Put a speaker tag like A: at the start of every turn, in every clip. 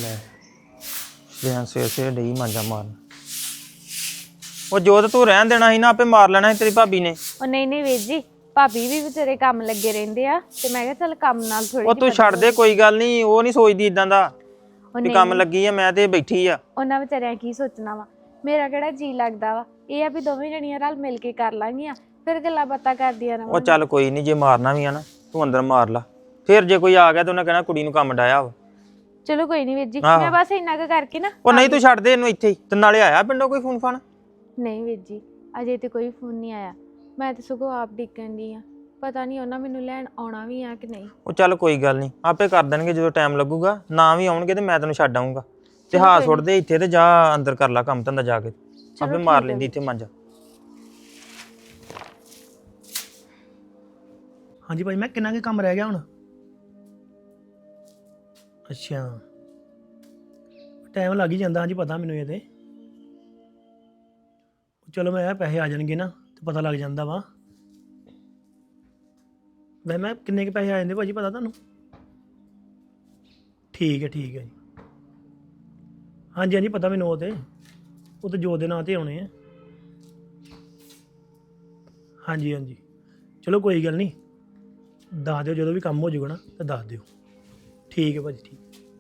A: ਲੈ ਸਵੇਰ ਡਈ ਮਾਂਜਾ ਮਾਰਨ। ਉਹ ਜੋਤ ਤੂੰ ਰਹਿਣ ਦੇਣਾ ਸੀ ਨਾ, ਆਪੇ ਮਾਰ ਲੈਣਾ ਸੀ ਤੇਰੀ ਭਾਬੀ ਨੇ।
B: ਉਹ ਨਹੀਂ ਵੀਰ ਜੀ, ਭਾਬੀ ਵੀ ਵਿਚਾਰੇ ਕੰਮ ਲੱਗੇ ਰਹਿੰਦੇ ਆ ਤੇ ਮੈਂ ਕਿਹਾ ਚੱਲ ਕੰਮ ਨਾਲ ਥੋੜੀ
A: ਉਹ ਤੂੰ ਛੱਡ ਦੇ, ਕੋਈ ਗੱਲ ਨਹੀਂ। ਉਹ ਨਹੀਂ ਸੋਚਦੀ ਇਦਾਂ ਦਾ ਵੀ ਕੰਮ ਲੱਗੀ ਆ ਮੈਂ ਤੇ ਬੈਠੀ ਆ।
B: ਉਹਨਾਂ ਵਿਚਾਰਿਆਂ ਕੀ ਸੋਚਣਾ ਵਾ, ਮੇਰਾ ਕਿਹੜਾ ਜੀ ਲੱਗਦਾ ਵਾ। ਇਹ ਆ ਵੀ ਦੋਵੇਂ ਜਣੀਆਂ ਰਲ ਮਿਲ ਕੇ ਕਰ ਲਾਂਗੀਆਂ, ਫਿਰ ਗੱਲਾਂ ਬਾਤਾਂ ਕਰਦੀਆਂ
A: ਉਹ
B: ਰਵਾਂਗੇ।
A: ਚੱਲ ਕੋਈ ਨਹੀਂ, ਜੇ ਮਾਰਨਾ ਵੀ ਆ ਨਾ ਤੂੰ ਅੰਦਰ ਮਾਰ ਲਾ, ਫਿਰ ਜੇ ਕੋਈ ਆ ਗਿਆ ਤਾਂ ਉਹਨੇ ਕਹਿਣਾ ਕੁੜੀ ਨੂੰ ਕੰਮ ਡਾਇਆ ਵਾ।
B: ਚਲੋ ਕੋਈ ਨਹੀਂ ਵੀਰ ਜੀ, ਮੈਂ ਬਸ ਇੰਨਾ ਕੁ ਕਰਕੇ ਨਾ।
A: ਉਹ ਨਹੀਂ ਤੂੰ ਛੱਡ ਦੇ ਇਹਨੂੰ ਇੱਥੇ ਹੀ। ਤੇ ਨਾਲੇ ਆਇਆ ਪਿੰਡੋਂ ਕੋਈ ਫੋਨ ਫਾਨ?
B: ਨਹੀਂ ਵੀਰ ਜੀ, ਅਜੇ ਤੇ ਕੋਈ ਫੋਨ ਨਹੀਂ ਆਇਆ। ਮੈਂ ਤੇ ਸਗੋਂ ਆਪ ਡਿੱਕਣ ਦੀ ਆ, ਪਤਾ ਨਹੀਂ ਉਹਨਾਂ ਮੈਨੂੰ ਲੈਣ ਆਉਣਾ ਵੀ ਆ ਕਿ ਨਹੀਂ।
A: ਉਹ ਚੱਲ ਕੋਈ ਗੱਲ ਨਹੀਂ, ਆਪੇ ਕਰ ਦੇਣਗੇ ਜਦੋਂ ਟਾਈਮ ਲੱਗੂਗਾ। ਨਾ ਵੀ ਆਉਣਗੇ ਤੇ ਮੈਂ ਤੈਨੂੰ ਛੱਡ ਆਊਂਗਾ। ਤੇ ਹਾਂ ਸੁੱਟ ਦੇ ਇੱਥੇ ਤੇ ਜਾ ਅੰਦਰ ਕਰ ਲਾ ਕੰਮ ਧੰਦਾ ਜਾ ਕੇ, ਆਪੇ ਮਾਰ ਲੈਂਦੀ ਇੱਥੇ ਮਾਂਜਾ।
C: ਹਾਂਜੀ ਭਾਈ, ਮੈਂ ਕਿੰਨਾ ਕੁ ਕੰਮ ਰਹਿ ਗਿਆ ਹੁਣ? ਅੱਛਾ, ਟਾਈਮ ਲੱਗ ਹੀ ਜਾਂਦਾ। ਹਾਂਜੀ ਪਤਾ ਮੈਨੂੰ ਇਹ ਤੇ। ਚਲੋ ਮੈਂ ਪੈਸੇ ਆ ਜਾਣਗੇ ਨਾ ਤੇ ਪਤਾ ਲੱਗ ਜਾਂਦਾ ਵਾ। ਮੈਂ ਕਿੰਨੇ ਕੁ ਪੈਸੇ ਆ ਜਾਂਦੇ ਭਾਜੀ, ਪਤਾ ਤੁਹਾਨੂੰ? ਠੀਕ ਹੈ ਜੀ। ਹਾਂਜੀ ਹਾਂਜੀ ਪਤਾ ਮੈਨੂੰ। ਉਹ ਤੇ ਜੋ ਦੇ ਨਾਂ ਤੇ ਆਉਣੇ ਆ। ਹਾਂਜੀ ਚਲੋ ਕੋਈ ਗੱਲ ਨਹੀਂ, ਦੱਸ ਦਿਓ ਜਦੋਂ ਵੀ ਕੰਮ ਹੋ ਜਾਊਗਾ ਨਾ ਤਾਂ ਦੱਸ ਦਿਓ। ਠੀਕ ਹੈ ਭਾਜੀ, ਠੀਕ।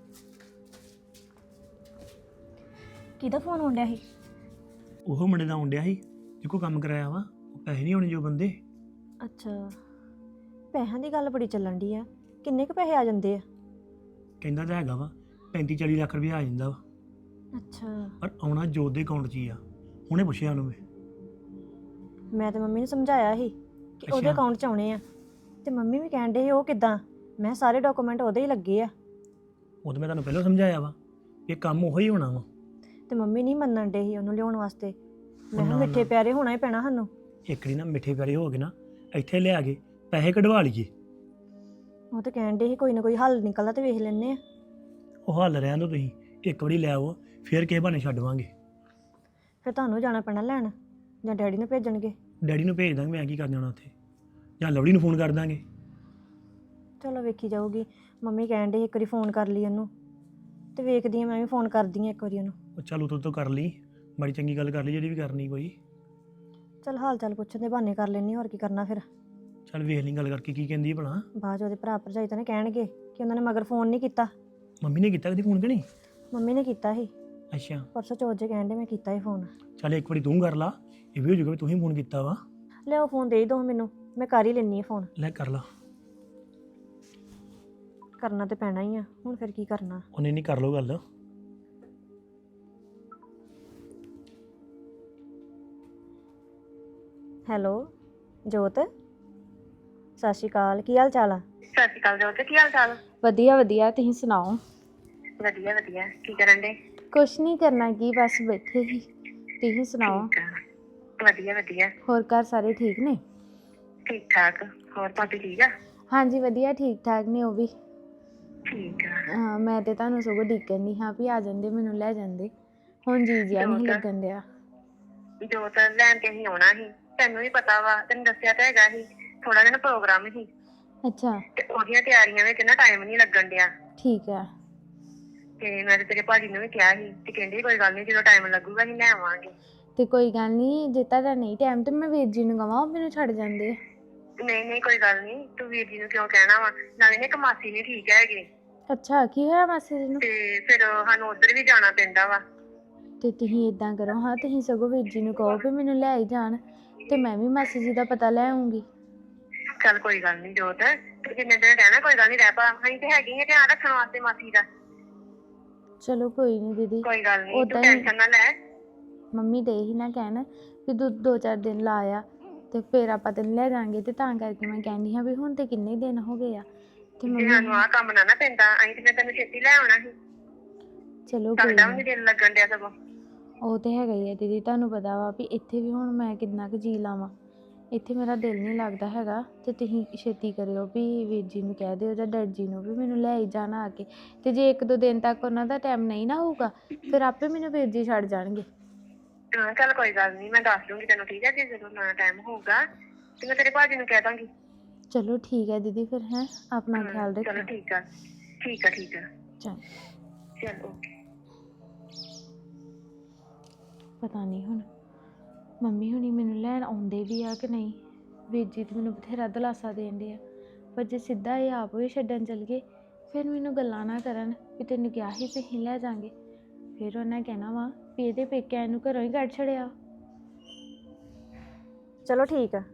D: ਕਿਹਦਾ ਫੋਨ ਆਉਣ ਡਿਆ ਸੀ?
C: ਉਹ ਮੁੰਡੇ ਦਾ ਆਉਣ ਡਿਆ ਸੀ ਜਿਹਕੋ ਕੰਮ ਕਰਾਇਆ ਵਾ। ਉਹ ਪੈਸੇ ਨਹੀਂ ਆਉਣੇ ਜੋ ਬੰਦੇ।
D: ਅੱਛਾ, ਪੈਸਿਆਂ ਦੀ ਗੱਲ ਬੜੀ ਚੱਲਣ ਡਈ ਆ। ਕਿੰਨੇ ਕੁ ਪੈਸੇ ਆ ਜਾਂਦੇ ਆ?
C: ਕਹਿੰਦਾ ਤਾਂ ਹੈਗਾ ਵਾ 35-40 ਲੱਖ ਰੁਪਇਆ ਆ ਜਾਂਦਾ ਵਾ।
D: ਅੱਛਾ,
C: ਪਰ ਆਉਣਾ ਜੋਤ ਦੇ ਅਕਾਊਂਟ 'ਚ ਹੀ ਆ। ਹੁਣੇ ਪੁੱਛਿਆ ਉਹਨੂੰ
D: ਮੈਂ ਤਾਂ ਮੰਮੀ ਨੂੰ ਸਮਝਾਇਆ ਸੀ ਕਿ ਉਹਦੇ ਅਕਾਊਂਟ 'ਚ ਆਉਣੇ ਆ, ਤੇ ਮੰਮੀ ਵੀ ਕਹਿਣ ਡੇ ਸੀ ਉਹ ਕਿੱਦਾਂ। ਮੈਂ ਸਾਰੇ ਡਾਕੂਮੈਂਟ ਉਹਦੇ ਹੀ ਲੱਗੇ ਆ।
C: ਉਹ ਤਾਂ ਮੈਂ ਤੁਹਾਨੂੰ ਪਹਿਲਾਂ ਸਮਝਾਇਆ ਵਾ ਇਹ ਕੰਮ ਉਹੀ ਹੋਣਾ ਵਾ।
D: ਤੇ ਮੰਮੀ ਨਹੀਂ ਮੰਨਣ ਡੇ ਸੀ ਉਹਨੂੰ ਲਿਆਉਣ ਵਾਸਤੇ। ਮੈਂ ਕਿਹਾ ਮਿੱਠੇ ਪਿਆਰੇ ਹੋਣਾ ਹੀ ਪੈਣਾ ਸਾਨੂੰ।
C: ਇੱਕ ਵਾਰੀ ਨਾ ਮਿੱਠੇ ਪਿਆਰੇ ਹੋ ਗਏ ਨਾ, ਇੱਥੇ ਲਿਆ ਕੇ ਪੈਸੇ ਕਢਵਾ ਲਈਏ।
D: ਉਹ ਤਾਂ ਕਹਿਣ ਡੇ ਸੀ ਕੋਈ ਨਾ ਕੋਈ ਹੱਲ ਨਿਕਲਦਾ ਤੇ ਵੇਖ ਲੈਂਦੇ ਆ।
C: ਉਹ ਹੱਲ ਰਹਿਣ ਦਿਓ ਤੁਸੀਂ, ਇੱਕ ਵਾਰੀ ਲੈ ਆਓ ਫਿਰ ਕਿਸੇ ਬਹਾਨੇ ਛੱਡਵਾਂਗੇ।
D: ਫਿਰ ਤੁਹਾਨੂੰ ਜਾਣਾ ਪੈਣਾ ਲੈਣ, ਜਾਂ ਡੈਡੀ ਨੂੰ ਭੇਜਣਗੇ?
C: ਡੈਡੀ ਨੂੰ ਭੇਜ ਦਾਂਗੇ, ਮੈਂ ਕੀ ਕਰ ਜਾਣਾ ਉੱਥੇ, ਜਾਂ ਲਵੜੀ ਨੂੰ ਫੋਨ ਕਰ ਦਾਂਗੇ।
D: ਚਲੋ ਵੇਖੀ ਜਾਊਗੀ। ਮੰਮੀ ਕਹਿਣ ਡੇ ਇੱਕ ਵਾਰੀ ਫੋਨ ਕਰ ਲਈ ਉਹਨੂੰ, ਤੇ ਵੇਖਦੀ ਆ ਮੈਂ ਵੀ ਫੋਨ ਕਰਦੀ ਆ ਇੱਕ ਵਾਰੀ ਉਹਨੂੰ।
C: ਉਹ ਚੱਲ ਉਤੋਂ ਤੋਂ ਕਰ ਲਈ, ਬੜੀ ਚੰਗੀ ਗੱਲ ਕਰ ਲਈ ਜਿਹੜੀ ਵੀ ਕਰਨੀ ਕੋਈ।
D: ਚਲ ਹਾਲ ਚਾਲ ਪੁੱਛਣ ਦੇ ਬਹਾਨੇ ਕਰ ਲੈਣੀ, ਹੋਰ ਕੀ ਕਰਨਾ ਫਿਰ।
C: ਚੱਲ ਵੇਖ ਲਈ ਗੱਲ ਕਰਕੇ ਕੀ ਕਹਿੰਦੀ ਭਲਾ।
D: ਬਾਅਦ 'ਚ ਉਹਦੇ ਭਰਾ ਭਰਜਾਈ ਤਾਂ ਨੇ ਕਹਿਣਗੇ ਕਿ ਉਹਨਾਂ ਨੇ ਮਗਰ ਫੋਨ ਨਹੀਂ ਕੀਤਾ।
C: ਮੰਮੀ ਨੇ ਕੀਤਾ ਕਦੀ ਫੋਨ ਕਿ ਨਹੀਂ?
D: ਮੰਮੀ ਨੇ ਕੀਤਾ ਸੀ
C: ਅੱਛਾ,
D: ਪਰਸੋਂ ਚੌਥ ਜੇ ਕਹਿਣ ਡੇ ਮੈਂ ਕੀਤਾ ਸੀ ਫੋਨ।
C: ਚੱਲ ਇੱਕ ਵਾਰੀ ਤੂੰ ਕਰ ਲਾ, ਇਹ ਵੀ ਹੋ ਜਾਊਗਾ ਵੀ ਤੂੰ ਹੀ ਫੋਨ ਕੀਤਾ ਵਾ।
D: ਲਿਆਓ ਫੋਨ ਦੇ ਦਿਓ ਮੈਨੂੰ, ਮੈਂ ਕਰ ਹੀ ਲੈਣੀ ਆ ਫੋਨ।
C: ਲੈ ਕਰ ਲਾ।
D: ਕਰਨਾ ਤੇ ਪੈਣਾ ਹੀ ਆ ਹੁਣ, ਫਿਰ ਕੀ ਕਰਨਾ।
C: ਉਹਨੇ ਨਹੀਂ ਕਰ ਲਓ ਗੱਲ।
D: ਹੈਲੋ ਜੋਤ, ਸਤਿ ਸ਼੍ਰੀ ਅਕਾਲ, ਕੀ ਹਾਲ ਚਾਲ ਆ?
E: ਸਤਿ ਸ਼੍ਰੀ ਅਕਾਲ ਜੋਤ, ਕੀ ਹਾਲ ਚਾਲ?
B: ਵਧੀਆ ਤੁਸੀਂ ਸੁਣਾਓ?
E: ਵਧੀਆ ਕੀ ਕਰਨ ਦੇ?
B: ਕੁਛ ਨਹੀਂ ਕਰਨਾ, ਕੀ ਬਸ ਬੈਠੇ ਸੀ। ਤੁਸੀਂ ਸੁਣਾਓ?
E: ਵਧੀਆ
B: ਹੋਰ ਘਰ ਸਾਰੇ ਠੀਕ ਨੇ?
E: ਠੀਕ ਠਾਕ। ਹੋਰ ਭਾਬੀ ਠੀਕ ਆ?
B: ਹਾਂਜੀ ਵਧੀਆ ਠੀਕ ਠਾਕ ਨੇ ਉਹ ਵੀ।
E: ਠੀਕ ਆ।
B: ਹਾਂ, ਮੈਂ ਤੇ ਤੁਹਾਨੂੰ ਸਗੋਂ ਡਿੱਕਣ ਦੀ ਹਾਂ ਵੀ ਆ ਜਾਂਦੇ, ਮੈਨੂੰ ਲੈ ਜਾਂਦੇ। ਹੁਣ ਜੀ ਜਿਆ ਨਹੀਂ ਲੱਗਣ ਡਿਆ।
E: ਜੋਤ ਲੈਣ ਤੇ ਅਸੀਂ ਆਉਣਾ ਸੀ, ਤੈਨੂੰ ਵੀ ਪਤਾ ਵਾ, ਤੈਨੂੰ ਦੱਸਿਆ ਤਾਂ ਹੈਗਾ ਸੀ। ਥੋੜਾ ਜਿਹਾ ਪ੍ਰੋਗਰਾਮ ਸੀ।
B: ਅੱਛਾ,
E: ਤੇ ਉਹਦੀਆਂ ਤਿਆਰੀਆਂ ਵਿੱਚ ਨਾ ਟਾਈਮ ਨਹੀਂ ਲੱਗਣ ਡਿਆ।
B: ਠੀਕ ਆ।
E: ਤੇ ਮੈਂ ਤੇ ਤੇਰੇ ਭਾਜੀ ਨੂੰ ਵੀ ਕਿਹਾ ਸੀ ਤੇ ਕਹਿੰਦੇ ਕੋਈ ਗੱਲ ਨਹੀਂ, ਜਦੋਂ ਟਾਈਮ ਲੱਗੂਗਾ ਅਸੀਂ ਲੈ ਆਵਾਂਗੇ।
B: ਤੇ ਕੋਈ ਗੱਲ ਨਹੀਂ, ਜੇ ਤੁਹਾਡਾ ਨਹੀਂ ਟਾਈਮ ਤੇ ਮੈਂ ਵੀਰ ਜੀ ਨੂੰ ਕਹਾਂ, ਉਹ ਮੈਨੂੰ ਛੱਡ ਜਾਂਦੇ।
E: ਨਹੀਂ ਕੋਈ ਗੱਲ ਨਹੀਂ, ਤੂੰ ਵੀਰ ਜੀ ਨੂੰ ਕਿਉਂ ਕਹਿਣਾ ਵਾ? ਨਾਲੇ ਨੇ ਇੱਕ ਮਾਸੀ ਨਹੀਂ ਠੀਕ ਹੈਗੇ।
B: ਅੱਛਾ, ਕੀ ਹੋਇਆ ਮਾਸੀ ਜੀ ਨੂੰ?
E: ਤੇ ਫਿਰ ਸਾਨੂੰ ਉੱਧਰ ਵੀ ਜਾਣਾ ਪੈਂਦਾ ਵਾ।
B: ਤੇ ਤੁਸੀਂ ਇਦਾਂ ਕਰੋ ਹਾਂ, ਤੁਸੀਂ ਸਗੋਂ ਵੀਰ ਜੀ ਨੂੰ ਕਹੋ ਵੀ ਮੈਨੂੰ ਲੈ ਹੀ ਜਾਣ, ਤੇ ਮੈਂ ਵੀ ਮਾਸੀ ਜੀ ਦਾ ਪਤਾ ਲੈ ਆਉਂਗੀ।
E: ਚੱਲ ਕੋਈ ਗੱਲ ਨਹੀਂ ਜੋਤ, ਤੂੰ ਜਿੰਨੇ ਦਿਨ ਰਹਿਣਾ ਕੋਈ ਗੱਲ ਨਹੀਂ, ਰਹਿ ਪਾ। ਅਸੀਂ ਤੇ ਹੈਗੇ ਆ ਧਿਆਨ ਰੱਖਣ ਵਾਸਤੇ ਮਾਸੀ ਦਾ।
B: ਚਲੋ ਕੋਈ ਨਹੀਂ ਦੀਦੀ,
E: ਕੋਈ ਗੱਲ ਨਹੀਂ, ਤੂੰ ਟੈਨਸ਼ਨ ਨਾ ਲੈ।
B: ਮੰਮੀ ਦੇ ਹੀ ਨਾ ਕਹਿਣ ਵੀ ਤੂੰ 2-4 ਦਿਨ ਲਾ ਆ ਤੇ ਫਿਰ ਆਪਾਂ ਤੈਨੂੰ ਲੈ ਜਾਾਂਗੇ। ਤੇ ਤਾਂ ਕਰਕੇ ਮੈਂ ਕਹਿੰਦੀ ਹਾਂ ਵੀ ਹੁਣ ਤੇ ਕਿੰਨੇ ਦਿਨ ਹੋ ਗਏ ਆ। ਤੇ
E: ਜੇ ਸਾਨੂੰ ਆਹ ਕੰਮ ਨਾ ਪੈਂਦਾ, ਅਸੀਂ ਤੇ ਫਿਰ ਤੈਨੂੰ ਛੇਤੀ ਲੈ ਆਉਣਾ ਸੀ।
B: ਚਲੋ ਕੋਈ
E: ਸਾਡਾ ਵੀ ਨੀ ਦਿਲ ਲੱਗਣ ਡਿਆ ਸਗੋਂ।
B: ਉਹ ਤੇ ਹੈਗਾ ਹੀ ਆ ਦੀਦੀ, ਤੁਹਾਨੂੰ ਪਤਾ ਵਾ ਵੀ ਇੱਥੇ ਵੀ ਹੁਣ ਮੈਂ ਕਿੰਨਾ ਕੁ ਜੀ ਲਾਵਾਂ, ਇੱਥੇ ਮੇਰਾ ਦਿਲ ਨਹੀਂ ਲੱਗਦਾ ਹੈਗਾ। ਤੇ ਤੁਸੀਂ ਛੇਤੀ ਕਰਿਓ ਵੀ ਵੀਰ ਜੀ ਨੂੰ ਕਹਿ ਦਿਓ ਜਾਂ ਡੈਡ ਜੀ ਨੂੰ ਵੀ ਮੈਨੂੰ ਲੈ ਹੀ ਜਾਣਾ ਆ ਕੇ। ਤੇ ਜੇ 1-2 ਦਿਨ ਤੱਕ ਉਹਨਾਂ ਦਾ ਟਾਈਮ ਨਹੀਂ ਨਾ ਹੋਊਗਾ, ਫਿਰ ਆਪੇ ਮੈਨੂੰ ਵੀਰ ਜੀ ਛੱਡ ਜਾਣਗੇ।
E: ਹਾਂ ਚੱਲ ਕੋਈ ਗੱਲ ਨਹੀਂ, ਮੈਂ ਦੱਸ ਦੂੰਗੀ ਤੈਨੂੰ, ਠੀਕ ਹੈ? ਜੇ ਜਦੋਂ ਨਾ ਟਾਈਮ ਹੋਊਗਾ ਤੇ ਮੈਂ ਤੇਰੇ ਭਾਜੀ ਨੂੰ ਕਹਿ ਦਾਂਗੀ।
B: ਚਲੋ ਠੀਕ ਹੈ ਦੀਦੀ, ਫਿਰ ਹੈ ਆਪਣਾ ਖਿਆਲ ਰੱਖਿਓ।
E: ਚਲੋ ਠੀਕ ਆ।
B: ਚੰਗਾ।
E: ਚਲ ਓਕੇ।
B: ਪਤਾ ਨਹੀਂ ਹੁਣ ਮੰਮੀ ਹੁਣੀ ਮੈਨੂੰ ਲੈਣ ਆਉਂਦੇ ਵੀ ਆ ਕਿ ਨਹੀਂ। ਵੀਰ ਜੀ ਤੇ ਮੈਨੂੰ ਬਥੇਰਾ ਦਿਲਾਸਾ ਦੇਣ ਦੇ ਆ, ਪਰ ਜੇ ਸਿੱਧਾ ਇਹ ਆਪ ਵੀ ਛੱਡਣ ਚਲ ਗਏ ਫਿਰ ਮੈਨੂੰ ਗੱਲਾਂ ਨਾ ਕਰਨ ਵੀ ਤੈਨੂੰ ਕਿਹਾ ਸੀ ਵੀ ਅਸੀਂ ਲੈ ਜਾਾਂਗੇ। ਫਿਰ ਉਹਨਾਂ ਕਹਿਣਾ ਵਾ ਵੀ ਇਹਦੇ ਪੇਕਿਆਂ ਨੂੰ ਘਰੋਂ ਹੀ ਕੱਢ ਛੜਿਆ।
D: ਚਲੋ ਠੀਕ ਆ,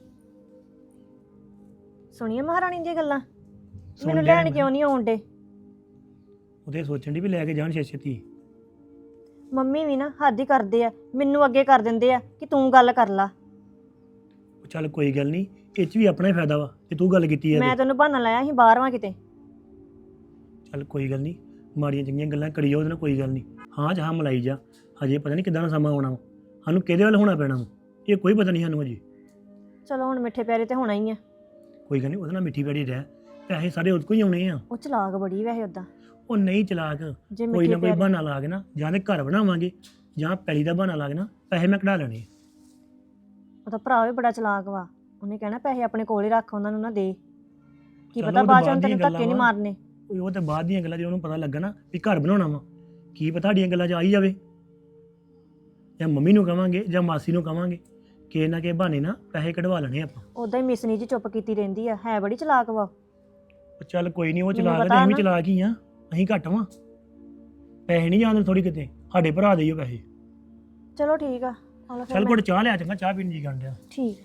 D: ਸੁਣੀਏ ਮਹਾਰਾਣੀ ਦੀਆਂ ਗੱਲਾਂ।
C: ਸੁਣ
D: ਮੈਨੂੰ
C: ਲਿਆ
D: ਲੈਣ
C: ਮੈਂ।
D: ਕਿਉਂ ਨਹੀਂ ਆਉਂਦੇ?
C: ਉਹਦੇ ਸੋਚਣ ਦੀ ਵੀ ਲੈ ਕੇ ਜਾਣ ਛੇਤੀ।
D: ਮੰਮੀ ਵੀ ਨਾ ਹੱਦ ਹੀ ਕਰਦੇ ਆ, ਮੈਨੂੰ ਅੱਗੇ ਕਰ ਦਿੰਦੇ ਆ ਕਿ ਤੂੰ ਗੱਲ ਕਰ ਲਾ।
C: ਉਹ ਚੱਲ ਕੋਈ ਗੱਲ ਨਹੀਂ, ਇਹ 'ਚ ਵੀ ਆਪਣਾ ਹੀ ਫਾਇਦਾ ਵਾ ਕਿ ਤੂੰ ਗੱਲ ਕੀਤੀ ਹੈ
D: ਮੈਂ ਤੈਨੂੰ ਬਹਾਨਾ ਲਾਇਆ ਸੀ ਬਾਹਰ ਵਾਂ ਕਿਤੇ।
C: ਚੱਲ ਕੋਈ ਗੱਲ ਨਹੀਂ, ਮਾੜੀਆਂ ਚੰਗੀਆਂ ਗੱਲਾਂ ਕਰੀ ਜਾ ਉਹਦੇ ਨਾਲ, ਕੋਈ ਗੱਲ ਨਹੀਂ। ਹਾਂ ਜਹਾਂ ਮਲਾਈ ਜਾ, ਹਜੇ ਪਤਾ ਨਹੀਂ ਕਿੱਦਾਂ ਦਾ ਸਮਾਂ ਆਉਣਾ ਵਾ, ਸਾਨੂੰ ਕਿਹਦੇ ਵੱਲ ਹੋਣਾ ਪੈਣਾ ਵਾ ਇਹ ਕੋਈ ਪਤਾ ਨਹੀਂ ਸਾਨੂੰ ਹਜੇ।
D: ਚਲੋ ਹੁਣ ਮਿੱਠੇ ਪਿਆਰੇ ਤੇ ਹੋਣਾ ਹੀ ਆ।
C: ਕੋਈ ਗੱਲ ਨਹੀਂ, ਉਹਦੇ ਨਾਲ ਮਿੱਠੀ ਪਿਆਰੀ ਰਹਿ, ਪੈਸੇ ਸਾਰੇ ਉਹਦੇ ਕੋਲ ਹੀ ਆਉਣੇ ਆ।
D: ਉਹ ਚਲਾਕ ਬੜੀ ਵੈਸੇ ਉਦਾਂ।
C: ਉਹ ਨਹੀਂ ਚਲਾਕ,
D: ਜੇ
C: ਕੋਈ
D: ਮਿੱਠੇ
C: ਨਾ ਕੋਈ
D: ਪਿਆਰੇ
C: ਬਹਾਨਾ ਲਾ ਕੇ ਨਾ, ਜਾਂ ਤੇ ਘਰ ਬਣਾਵਾਂਗੇ ਜਾਂ ਪੈਲੀ ਦਾ ਬਹਾਨਾ ਲਾ ਕੇ ਨਾ ਪੈਸੇ ਮੈਂ ਕਢਾ ਲੈਣੇ ਆ।
D: ਉਹਦਾ ਭਰਾ ਵੀ ਬੜਾ ਚਲਾਕ ਵਾ, ਉਹਨੇ ਕਹਿਣਾ ਪੈਸੇ ਆਪਣੇ ਕੋਲ ਹੀ ਰੱਖ, ਉਹਨਾਂ ਨੂੰ ਨਾ ਦੇ। ਕੀ
C: ਚਲੋ
D: ਪਤਾ
C: ਉਹ ਤਾਂ
D: ਬਾਅਦ ਚ
C: ਬਾਅਦ
D: ਤੈਨੂੰ
C: ਦੀਆਂ
D: ਧੱਕੇ ਨਹੀਂ
C: ਗੱਲਾਂ ਵਾ।
D: ਮਾਰਨੇ।
C: ਉਹ ਤੇ ਬਾਅਦ ਦੀਆਂ ਗੱਲਾਂ, ਜੇ ਉਹਨੂੰ ਪਤਾ ਲੱਗਾ ਨਾ ਵੀ ਘਰ ਬਣਾਉਣਾ ਵਾ, ਕੀ ਪਤਾ ਸਾਡੀਆਂ ਗੱਲਾਂ 'ਚ ਆ ਹੀ ਜਾਵੇ। ਜਾਂ ਮੰਮੀ ਨੂੰ ਕਵਾਂਗੇ ਜਾਂ ਮਾਸੀ ਨੂੰ ਕਵਾਂਗੇ ਕਿ ਨਾ ਕਿ ਬਹਾਨੇ ਨਾ ਪੈਸੇ ਕਢਵਾ ਲੈਣੇ ਆਪਾਂ।
D: ਉਦਾਂ ਹੀ ਮਿਸਨੀ ਜੀ ਚੁੱਪ ਕੀਤੀ ਰਹਿੰਦੀ ਆ, ਹੈ ਬੜੀ ਚਲਾਕ ਵਾ।
C: ਉਹ ਚੱਲ ਕੋਈ ਨਹੀਂ, ਉਹ
D: ਮੈਨੂੰ
C: ਚਲਾ ਕੇ
D: ਪਤਾ
C: ਅਸੀਂ ਵੀ
D: ਨਾ।
C: ਚਲਾ ਹੀ ਆ, ਅਸੀਂ ਘੱਟ ਵਾਂ। ਪੈਸੇ ਨਹੀਂ ਜਾਂਦੇ ਥੋੜੀ ਕਿਤੇ, ਸਾਡੇ ਭਰਾ ਦੇ ਹੀ ਉਹ ਪੈਸੇ।
D: ਚਲੋ ਠੀਕ ਆ, ਆਲੋ ਫਿਰ
C: ਚੱਲ
D: ਮੈਂ-
C: ਕੋਲ ਚਾਹ ਲਿਆ, ਚੰਗਾ ਚਾਹ ਪੀਣ ਜੀ ਕਰਨ ਡਿਆ।
D: ਠੀਕ।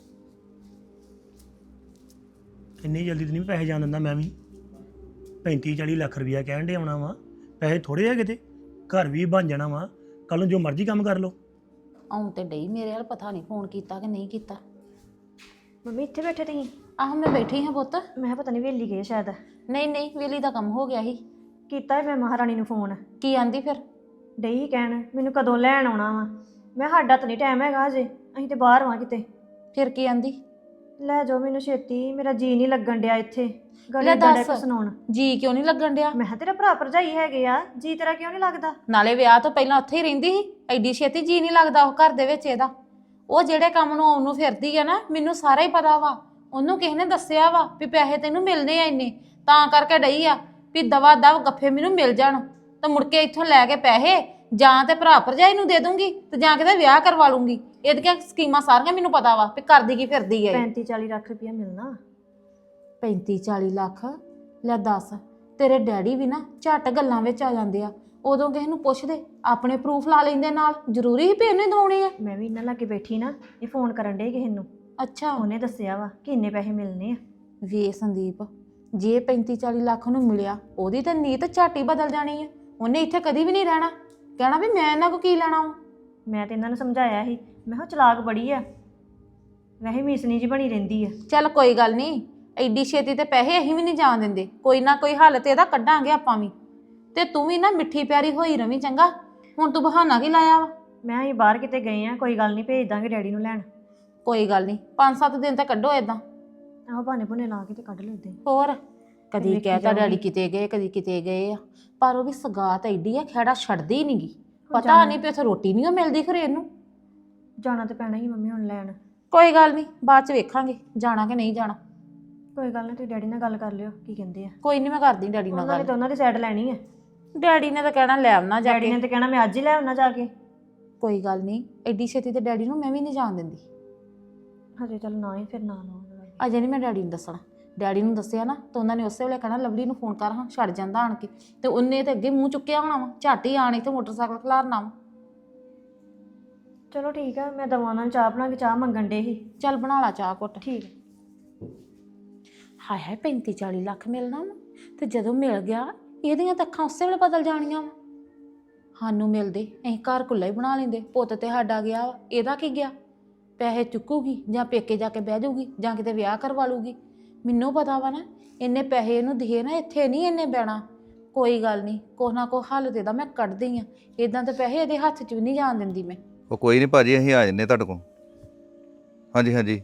C: ਇੰਨੀ ਜਲਦੀ ਤਾਂ ਨਹੀਂ ਪੈਸੇ ਜਾਣ ਦਿੰਦਾ ਮੈਂ ਵੀ। 35-40 ਲੱਖ ਰੁਪਇਆ ਕਹਿਣ ਦੇ ਆਉਣਾ ਵਾ, ਪੈਸੇ ਥੋੜੇ ਆ ਕਿਤੇ, ਘਰ ਵੀ ਬਣ ਜਾਣਾ ਵਾ, ਕੱਲ ਨੂੰ ਜੋ ਮਰਜ਼ੀ ਕੰਮ ਕਰ ਲਓ।
F: ਆਉਂ ਤੇ ਡਈ ਮੇਰੇ ਵੱਲ, ਪਤਾ ਨਹੀਂ ਫੋਨ ਕੀਤਾ ਕਿ ਨਹੀਂ ਕੀਤਾ।
D: ਮੰਮੀ ਇੱਥੇ ਬੈਠੇ ਤੁਸੀਂ?
F: ਆਹ ਮੈਂ ਬੈਠੀ ਹਾਂ ਪੁੱਤ।
D: ਮੈਂ ਕਿਹਾ ਪਤਾ ਨਹੀਂ ਵੇਲੀ ਗਏ ਸ਼ਾਇਦ।
F: ਨਹੀਂ ਨਹੀਂ, ਵੇਲੀ ਦਾ ਕੰਮ ਹੋ ਗਿਆ ਸੀ।
D: ਕੀਤਾ ਮੈਂ ਮਹਾਰਾਣੀ ਨੂੰ ਫੋਨ,
F: ਕੀ ਆਂਦੀ ਫਿਰ?
D: ਡਈ ਕਹਿਣ ਮੈਨੂੰ ਕਦੋਂ ਲੈਣ ਆਉਣਾ ਵਾ। ਮੈਂ ਸਾਡਾ ਤਾਂ ਨਹੀਂ ਟਾਈਮ ਹੈਗਾ ਅਜੇ, ਅਸੀਂ ਤੇ ਬਾਹਰ ਵਾਂ ਕਿਤੇ।
F: ਫਿਰ ਕੀ ਆਂਦੀ?
D: ਲੈ ਜਾਓ ਮੈਨੂੰ ਛੇਤੀ, ਮੇਰਾ ਜੀ ਨਹੀਂ ਲੱਗਣ ਡਿਆ ਇੱਥੇ।
F: ਲੈ
D: ਗਲੇ
F: ਦੱਸ।
D: ਦਾ ਸੁਣਾਉਣ।
F: ਜੀ ਕਿਉਂ ਨਹੀਂ ਲੱਗਣ ਡਿਆ?
D: ਮੈਂ ਕਿਹਾ ਤੇਰਾ ਭਰਾ ਭਰਜਾਈ ਹੈਗੇ ਆ, ਜੀ ਤੇਰਾ ਕਿਉਂ ਨਹੀਂ ਲੱਗਦਾ?
F: ਨਾਲੇ ਵਿਆਹ ਤੋਂ ਪਹਿਲਾਂ ਉੱਥੇ ਹੀ ਰਹਿੰਦੀ ਸੀ, ਐਡੀ ਛੇਤੀ ਜੀ ਨਹੀਂ ਲੱਗਦਾ ਉਹ ਘਰ ਦੇ ਵਿੱਚ ਇਹਦਾ। ਉਹ ਜਿਹੜੇ ਕੰਮ ਨੂੰ ਆਉਣ ਨੂੰ ਫਿਰਦੀ ਆ ਨਾ, ਮੈਨੂੰ ਸਾਰਾ ਹੀ ਪਤਾ ਵਾ। ਉਹਨੂੰ ਕਿਸੇ ਨੇ ਦੱਸਿਆ ਵਾ ਵੀ ਪੈਸੇ ਤੈਨੂੰ ਮਿਲਨੇ ਆ ਇੰਨੇ, ਤਾਂ ਕਰਕੇ ਡਈ ਆ ਵੀ ਦਵਾ ਦਵ ਗੱਫੇ ਮੈਨੂੰ ਮਿਲ ਜਾਣ, ਤਾਂ ਮੁੜ ਕੇ ਇੱਥੋਂ ਲੈ ਕੇ ਪੈਸੇ ਜਾਂ ਤੇ ਭਰਾ ਭਰਜਾਈ ਨੂੰ ਦੇ ਦੂੰਗੀ ਤੇ ਜਾਂ ਕਿਤੇ ਵਿਆਹ ਕਰਵਾ ਲੂੰਗੀ। ਇਹਦੀਆਂ ਸਕੀਮਾਂ ਸਾਰੀਆਂ ਮੈਨੂੰ ਪਤਾ ਵਾ ਵੀ ਕਰਦੀ ਕੀ ਫਿਰਦੀ ਆ।
D: 35-40 ਲੱਖ ਰੁਪਇਆ ਮਿਲਣਾ।
F: 35-40 ਲੱਖ? ਲੈ ਦੱਸ, ਤੇਰੇ ਡੈਡੀ ਵੀ ਨਾ ਝੱਟ ਗੱਲਾਂ ਵਿੱਚ ਆ ਜਾਂਦੇ ਆ, ਉਦੋਂ ਕਿਸੇ ਨੂੰ ਪੁੱਛਦੇ ਆਪਣੇ ਪ੍ਰੂਫ ਲਾ ਲੈਂਦੇ ਨਾਲ। ਜ਼ਰੂਰੀ ਹੀ ਵੀ ਇਹਨੇ ਦਵਾਉਣੇ ਆ।
D: ਮੈਂ ਵੀ ਇਹਨਾਂ ਲਾਗੇ ਬੈਠੀ ਨਾ, ਇਹ ਫੋਨ ਕਰਨ ਡੇ ਕਿਸੇ ਨੂੰ,
F: ਅੱਛਾ
D: ਉਹਨੇ ਦੱਸਿਆ ਵਾ ਕਿ ਇੰਨੇ ਪੈਸੇ ਮਿਲਨੇ ਆ।
F: ਵੇ ਸੰਦੀਪ, ਜੇ 35-40 ਲੱਖ ਨੂੰ ਮਿਲਿਆ, ਉਹਦੀ ਤਾਂ ਨੀਤ ਝੱਟ ਹੀ ਬਦਲ ਜਾਣੀ ਆ। ਉਹਨੇ ਇੱਥੇ ਕਦੀ ਵੀ ਨਹੀਂ ਰਹਿਣਾ, ਕਹਿਣਾ ਵੀ ਮੈਂ ਇਹਨਾਂ ਕੋ ਕੀ ਲੈਣਾ ਵਾ।
D: ਮੈਂ ਤੇ ਇਹਨਾਂ ਨੂੰ ਸਮਝਾਇਆ ਸੀ, ਮੈਂ ਕਿਹਾ ਚਲਾਕ ਬੜੀ ਆ, ਵੈਸੇ ਮੀਸਨੀ ਜੀ ਬਣੀ ਰਹਿੰਦੀ ਆ।
F: ਚੱਲ ਕੋਈ ਗੱਲ ਨਹੀਂ, ਐਡੀ ਛੇਤੀ ਤੇ ਪੈਸੇ ਅਸੀਂ ਵੀ ਨਹੀਂ ਜਾਣ ਦਿੰਦੇ, ਕੋਈ ਨਾ ਕੋਈ ਹੱਲ ਤੇ ਇਹਦਾ ਕੱਢਾਂਗੇ ਆਪਾਂ ਵੀ। ਤੇ ਤੂੰ ਵੀ ਨਾ ਮਿੱਠੀ ਪਿਆਰੀ ਹੋਈ ਰਵੀਂ ਚੰਗਾ। ਹੁਣ ਤੂੰ ਬਹਾਨਾ ਕੀ ਲਾਇਆ ਵਾ?
D: ਮੈਂ ਅਸੀਂ ਬਾਹਰ ਕਿਤੇ ਗਏ ਆ, ਕੋਈ ਗੱਲ ਨਹੀਂ, ਭੇਜ ਦਾਂਗੇ ਡੈਡੀ ਨੂੰ ਲੈਣ।
F: ਕੋਈ ਗੱਲ ਨਹੀਂ, 5-7 ਦਿਨ ਤਾਂ ਕੱਢੋ ਏਦਾਂ।
D: ਆਹੋ ਬਹਾਨੇ ਭੁਨੇ ਲਾ ਕੇ ਤੇ ਕੱਢ ਲਓ ਏਦਾਂ ਹੀ।
F: ਹੋਰ ਕਦੀ
D: ਵੇਖੀ
F: ਕਹਿਤਾ ਡੈਡੀ
D: ਜਾਊਗੀ।
F: ਕਿਤੇ ਗਏ, ਕਦੀ ਕਿਤੇ ਗਏ ਆ, ਪਰ ਉਹ ਵੀ ਸਗਾਤ ਐਡੀ ਆ, ਖਹਿੜਾ ਛੱਡਦੀ ਨਹੀਂਗੀ। ਪਤਾ
D: ਜਾਣਾ।
F: ਨਹੀਂ ਵੀ ਉੱਥੇ ਰੋਟੀ ਨਹੀਂ ਮਿਲਦੀ ਖਰੇ ਇਹਨੂੰ।
D: ਜਾਣਾ ਤੇ ਪੈਣਾ ਹੀ ਮੰਮੀ ਹੁਣ ਲੈਣ।
F: ਕੋਈ ਗੱਲ ਨਹੀਂ, ਬਾਅਦ ਚ ਵੇਖਾਂਗੇ ਜਾਣਾ ਕਿ ਨਹੀਂ ਜਾਣਾ।
D: ਕੋਈ ਗੱਲ ਨਹੀਂ, ਤੁਸੀਂ ਡੈਡੀ ਨਾਲ ਗੱਲ ਕਰ ਲਿਓ ਕੀ ਕਹਿੰਦੇ ਆ।
F: ਕੋਈ ਨਹੀਂ, ਮੈਂ ਕਰਦੀ ਡੈਡੀ ਨਾਲ
D: ਉਹਨਾਂ ਨੇ
F: ਗੱਲ।
D: ਤਾਂ ਉਹਨਾਂ ਦੀ ਸਾਈਡ ਲੈਣੀ ਆ।
F: ਡੈਡੀ ਨੇ ਤਾਂ ਕਹਿਣਾ ਲੈ ਆਉਣਾ ਜਾ
D: ਡੈਡੀ
F: ਕੇ।
D: ਨੇ ਤਾਂ ਕਹਿਣਾ ਮੈਂ ਅੱਜ ਹੀ ਲੈ ਆਉਣਾ ਜਾ ਕੇ।
F: ਕੋਈ ਗੱਲ ਨਹੀਂ, ਐਡੀ ਛੇਤੀ ਤੇ ਡੈਡੀ ਨੂੰ ਮੈਂ ਵੀ ਨਹੀਂ ਜਾਣ ਦਿੰਦੀ।
D: ਹਜੇ ਚੱਲ ਨਾ ਹੀ, ਫਿਰ ਨਾ ਲਓ।
F: ਅਜੇ ਨਹੀਂ ਮੈਂ ਡੈਡੀ ਨੂੰ ਦੱਸਣਾ। ਡੈਡੀ ਨੂੰ ਦੱਸਿਆ ਨਾ ਤਾਂ ਉਹਨਾਂ ਨੇ ਉਸੇ ਵੇਲੇ ਕਹਿਣਾ ਲਵਲੀ ਨੂੰ ਫੋਨ ਕਰ, ਹਾਂ ਛੱਡ ਜਾਂਦਾ ਆਣ ਕੇ। ਤੇ ਉਹਨੇ ਤੇ ਅੱਗੇ ਮੂੰਹ ਚੁੱਕਿਆ ਹੋਣਾ ਵਾ, ਝੱਟ ਹੀ ਆਣ ਇੱਥੇ ਮੋਟਰਸਾਈਕਲ ਖਿਲਾਰਨਾ ਵਾ।
D: ਚਲੋ ਠੀਕ ਆ, ਮੈਂ ਦਵਾਂ ਉਹਨਾਂ ਨੂੰ ਚਾਹ ਬਣਾ ਕੇ, ਚਾਹ ਮੰਗਣ ਡੇ ਸੀ।
F: ਚੱਲ ਬਣਾ ਲਾ ਚਾਹ ਘੁੱਟ।
D: ਠੀਕ ਆ।
F: ਹਾਏ ਹਾਏ, 35-40 ਲੱਖ ਮਿਲਣਾ ਵਾ, ਤੇ ਜਦੋਂ ਮਿਲ ਗਿਆ ਇਹਦੀਆਂ ਤਾਂ ਅੱਖਾਂ ਉਸੇ ਵੇਲੇ ਬਦਲ ਜਾਣੀਆਂ ਵਾ। ਸਾਨੂੰ ਮਿਲਦੇ ਅਸੀਂ ਘਰ ਕੁੱਲਾ ਹੀ ਬਣਾ ਲੈਂਦੇ। ਪੁੱਤ ਤੇ ਸਾਡਾ ਗਿਆ ਵਾ, ਇਹਦਾ ਕੀ ਗਿਆ? ਪੈਸੇ ਚੁੱਕੂਗੀ ਜਾਂ ਪੇਕੇ ਜਾ ਕੇ ਬਹਿ ਜਾਊਗੀ ਜਾਂ ਕਿਤੇ ਵਿਆਹ ਕਰਵਾ ਲੂਗੀ। ਮੈਨੂੰ ਪਤਾ ਵਾ ਨਾ, ਇੰਨੇ ਪੈਸੇ ਇਹਨੂੰ ਦਿਏ ਨਾ, ਇੱਥੇ ਨਹੀਂ ਇੰਨੇ ਬਹਿਣਾ। ਕੋਈ ਗੱਲ ਨਹੀਂ, ਕੁਛ ਨਾ ਕੁਛ ਹੱਲ ਤੇ ਦਾ ਮੈਂ ਕੱਢਦੀ ਆ। ਇਦਾਂ ਤੇ ਪੈਸੇ ਇਹਦੇ ਹੱਥ 'ਚ ਵੀ ਨਹੀਂ ਜਾਣ ਦਿੰਦੀ ਮੈਂ।
G: ਉਹ ਕੋਈ ਨਹੀਂ ਭਾਜੀ, ਅਸੀਂ ਆ ਜੰਨੇ ਤੁਹਾਡੇ ਕੋਲ। ਹਾਂਜੀ ਹਾਂਜੀ,